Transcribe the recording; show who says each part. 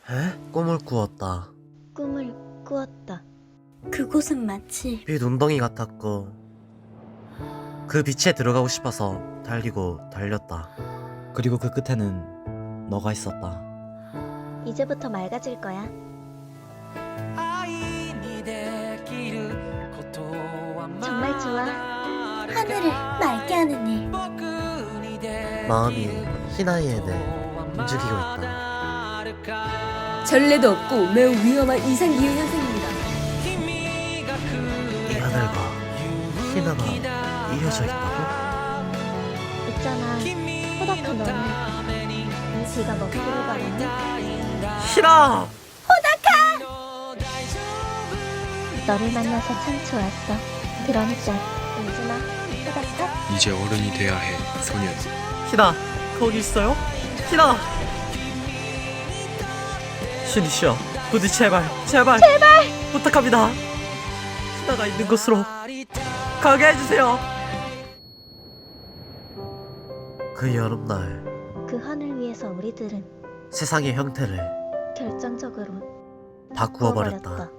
Speaker 1: 꿈을 꾸었다.
Speaker 2: 꿈을 꾸었다.
Speaker 3: 그곳은 마치
Speaker 1: 빛 운덩이 같았고 그 빛에 들어가고 싶어서 달리고 달렸다.
Speaker 4: 그리고 그 끝에는 너가 있었다.
Speaker 2: 이제부터 맑아질 거야. 정말 좋아.
Speaker 3: 하늘을 맑게 하는 일.
Speaker 1: 마음이 희나이에 대해 움직이고 있다.
Speaker 5: 전례도 없고 매우 위험한 이상기후 현상입니다.
Speaker 1: 이 하늘과 희나가 이어져 있다고?
Speaker 2: 있잖아. 호닥한 너는 이 비가 먹기를 바라니?
Speaker 1: 희나!
Speaker 2: 너를 만나서 참 좋았어. 그러니까 울지마. 호닥한.
Speaker 6: 이제 어른이 돼야 해, 소년.
Speaker 1: 희나! 거기 있어요? 희나! 신이시여 부디 제발 부탁합니다. 희나가 있는 곳으로 가게 해주세요. 그 여름날
Speaker 2: 그 하늘 위에서 우리들은
Speaker 1: 세상의 형태를
Speaker 2: 결정적으로
Speaker 1: 바꾸어 버렸다.